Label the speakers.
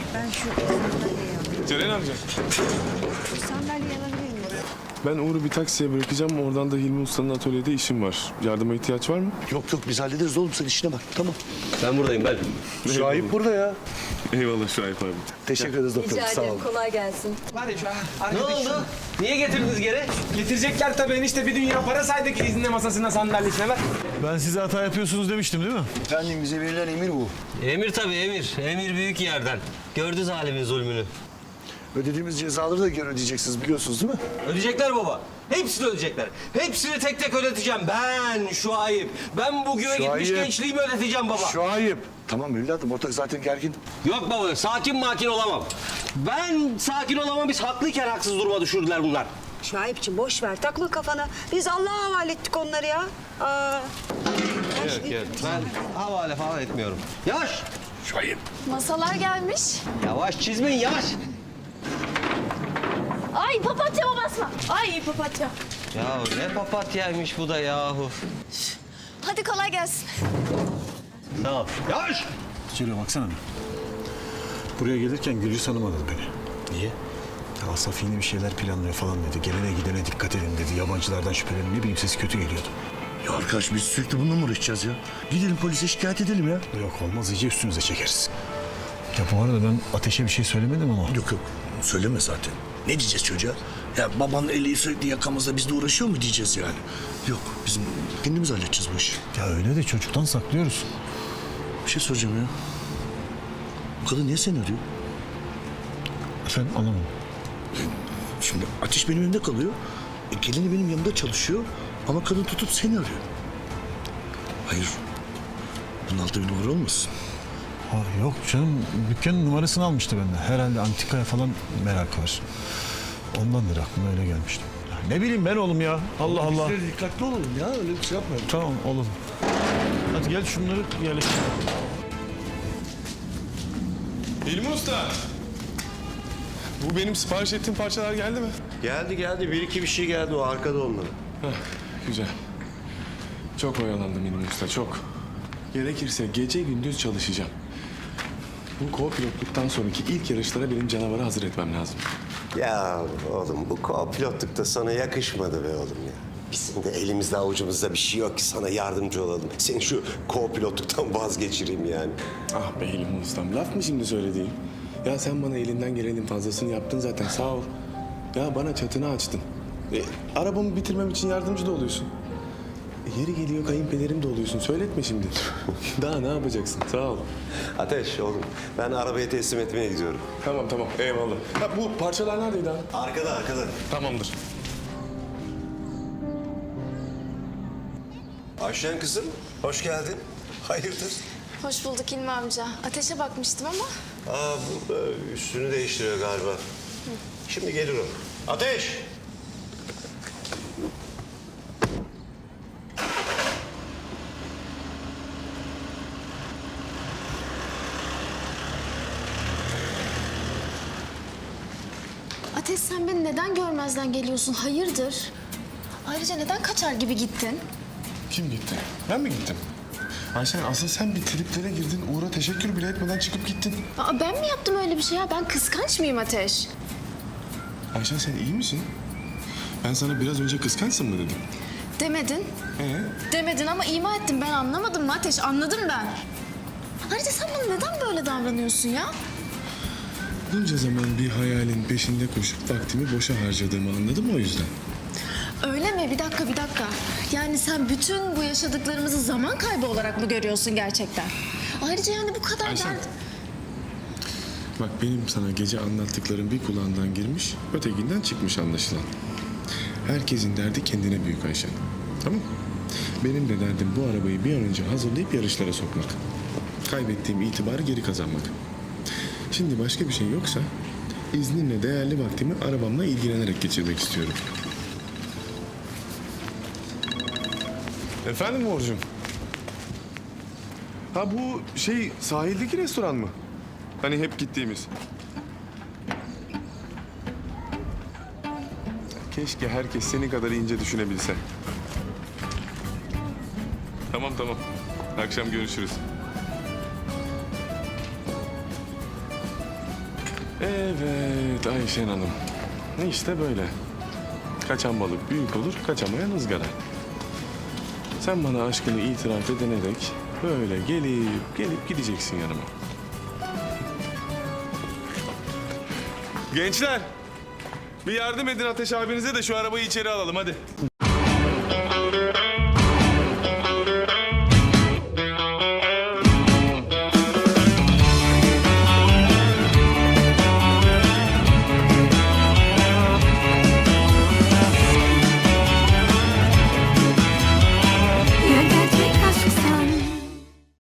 Speaker 1: Ben şu sandalyeyi alayım.
Speaker 2: Ceren amca.
Speaker 1: Şu sandalyeyi alabilir miyim?
Speaker 2: Ben Uğur'u bir taksiye bırakacağım. Oradan da Hilmi Usta'nın atölyede işim var. Yardıma ihtiyaç var mı?
Speaker 3: Yok biz hallederiz oğlum, sen işine bak, tamam.
Speaker 4: Ben buradayım ben.
Speaker 3: Şahip burada ya.
Speaker 2: Eyvallah Şahip abi.
Speaker 3: Teşekkür ederiz doktor,
Speaker 1: Rica
Speaker 3: sağ
Speaker 1: ederim.
Speaker 3: olun.
Speaker 1: Kolay gelsin.
Speaker 5: Var ya şu an
Speaker 4: Ne
Speaker 5: arkadaş.
Speaker 4: oldu? Niye getirdiniz geri?
Speaker 5: Getirecekler tabii enişte, bir dünya para saydık izinle masasına sandalyesine ver.
Speaker 6: Ben size hata yapıyorsunuz demiştim değil mi?
Speaker 3: Efendim bize verilen emir bu.
Speaker 4: Emir tabii emir. Emir büyük yerden. Gördü zalimin zulmünü.
Speaker 3: Ödediğimiz cezaları da geri ödeyeceksiniz, biliyorsunuz değil mi?
Speaker 4: Ödeyecekler baba. Hepsini ödeyecekler. Hepsini tek tek ödeteceğim. Ben şu ayıp. Ben bu güve gitmiş
Speaker 3: Şuayb.
Speaker 4: gençliğimi ödeteceğim baba.
Speaker 3: Şahip. Tamam evladım, ortak zaten gergin.
Speaker 4: Yok baba, sakin makin olamam. Ben sakin olamam, biz haklıyken haksız duruma düşürdüler bunlar.
Speaker 1: Şahipçi boş ver, takma kafana. Biz Allah'a havale ettik onları ya. Aa.
Speaker 4: Yok, ben havale falan etmiyorum. Yavaş,
Speaker 3: Şahip.
Speaker 7: Masalar gelmiş.
Speaker 4: yavaş çizmeyin, yavaş.
Speaker 7: Ay papatyama basma. Ay papatya.
Speaker 4: Ya ne papatyaymış bu da yahu.
Speaker 7: Hadi kolay gelsin.
Speaker 4: Sağ ol. Yavaş.
Speaker 6: Şöyle baksana. Buraya gelirken Gülcü Hanım aradı beni.
Speaker 3: Niye?
Speaker 6: Ya Asaf yeni bir şeyler planlıyor falan dedi. Gelene gidene dikkat edin dedi. Yabancılardan şüphelenin, ne bileyim, sesi kötü geliyordu.
Speaker 3: Ya arkadaş biz sürekli bununla mı uğraşacağız ya? Gidelim polise şikayet edelim ya.
Speaker 6: Yok olmaz, iyice üstünüze çekeriz. Ya bu arada ben Ateş'e bir şey söylemedim ama.
Speaker 3: Yok söyleme zaten. Ne diyeceğiz çocuğa? Ya babanın eli sürekli yakamızda, bizle uğraşıyor mu diyeceğiz yani? Yok, bizim kendimiz halledeceğiz bu işi.
Speaker 6: Ya öyle de çocuktan saklıyoruz.
Speaker 3: Bir şey soracağım ya. Bu kadın niye seni arıyor?
Speaker 6: Efendim anlamadım.
Speaker 3: Şimdi Ateş benim evimde kalıyor. Gelini benim yanımda çalışıyor. Ama kadın tutup seni arıyor. Hayır. Bunun altında bir numara olmasın?
Speaker 6: Ha, yok canım, dükkanın numarasını almıştı benden. Herhalde antikaya falan merak var. Ondandır aklıma öyle gelmişti. Ya ne bileyim ben oğlum ya. Allah Allah.
Speaker 3: Biz de dikkatli olalım ya. Öyle bir şey yapmayalım.
Speaker 6: Tamam oğlum. Hadi gel şunları yerleştirelim.
Speaker 2: Hilmi Usta. Bu benim sipariş ettiğim parçalar geldi mi?
Speaker 8: Geldi. Bir iki bir şey geldi, o arkada onları.
Speaker 2: Heh, güzel. Çok oyalandım Hilmi Usta, çok. Gerekirse gece gündüz çalışacağım. Bu co-pilotluktan sonraki ilk yarışlara benim canavarı hazır etmem lazım.
Speaker 8: Ya oğlum, bu co-pilotluk da sana yakışmadı be oğlum ya. Bizim de elimizde avucumuzda bir şey yok ki sana yardımcı olalım. Seni şu co-pilotluktan vazgeçireyim yani.
Speaker 2: Ah be Hilmi Ustam, laf mı şimdi söylediğim? Ya sen bana elinden gelenin fazlasını yaptın zaten, sağ ol. Ya bana çatını açtın. Arabamı bitirmem için yardımcı da oluyorsun. Yeri geliyor kayınpederim de oluyorsun. Söyletme şimdi. Daha ne yapacaksın? Sağ ol.
Speaker 8: Ateş oğlum, ben arabayı teslim etmeye gidiyorum.
Speaker 2: Tamam eyvallah. Ha, bu parçalar neredeydi abi?
Speaker 8: Arkada.
Speaker 2: Tamamdır.
Speaker 8: Ayşen kızım, hoş geldin. Hayırdır?
Speaker 7: Hoş bulduk İlmi amca. Ateşe bakmıştım ama.
Speaker 8: Bu üstünü değiştiriyor galiba. Şimdi gelir o. Ateş!
Speaker 7: Ateş sen beni neden görmezden geliyorsun? Hayırdır? Ayrıca neden kaçar gibi gittin?
Speaker 2: Kim gitti? Ben mi gittim? Ayşen asıl sen bir triplere girdin. Uğur'a teşekkür bile etmeden çıkıp gittin.
Speaker 7: Aa, ben mi yaptım öyle bir şey ya? Ben kıskanç mıyım Ateş?
Speaker 2: Ayşen sen iyi misin? Ben sana biraz önce kıskançsın mı dedim?
Speaker 7: Demedin. Demedin ama ima ettim. Ben anlamadım mı Ateş? Anladım ben. Ayrıca sen bana neden böyle davranıyorsun ya?
Speaker 2: Bunca zaman bir hayalin peşinde koşup vaktimi boşa harcadığımı anladım o yüzden.
Speaker 7: Öyle mi? Bir dakika. Yani sen bütün bu yaşadıklarımızı zaman kaybı olarak mı görüyorsun gerçekten? Ayrıca yani bu kadar
Speaker 2: Ayşen.
Speaker 7: dert...
Speaker 2: Bak benim sana gece anlattıklarım bir kulağından girmiş, ötekinden çıkmış anlaşılan. Herkesin derdi kendine büyük Ayşen. Tamam mı? Benim de derdim bu arabayı bir an önce hazırlayıp yarışlara sokmak. Kaybettiğim itibarı geri kazanmak. Şimdi başka bir şey yoksa izninle değerli vaktimi arabamla ilgilenerek geçirmek istiyorum. Efendim Uğurcuğum? Ha bu sahildeki restoran mı? Hani hep gittiğimiz. Keşke herkes seni kadar ince düşünebilse. Tamam. Akşam görüşürüz. Evet Ayşen Hanım. İşte böyle. Kaçan balık büyük olur, kaçamayan ızgara. Sen bana aşkını itiraf edene dek böyle gelip gideceksin yanıma. Gençler, bir yardım edin Ateş abinize de şu arabayı içeri alalım hadi.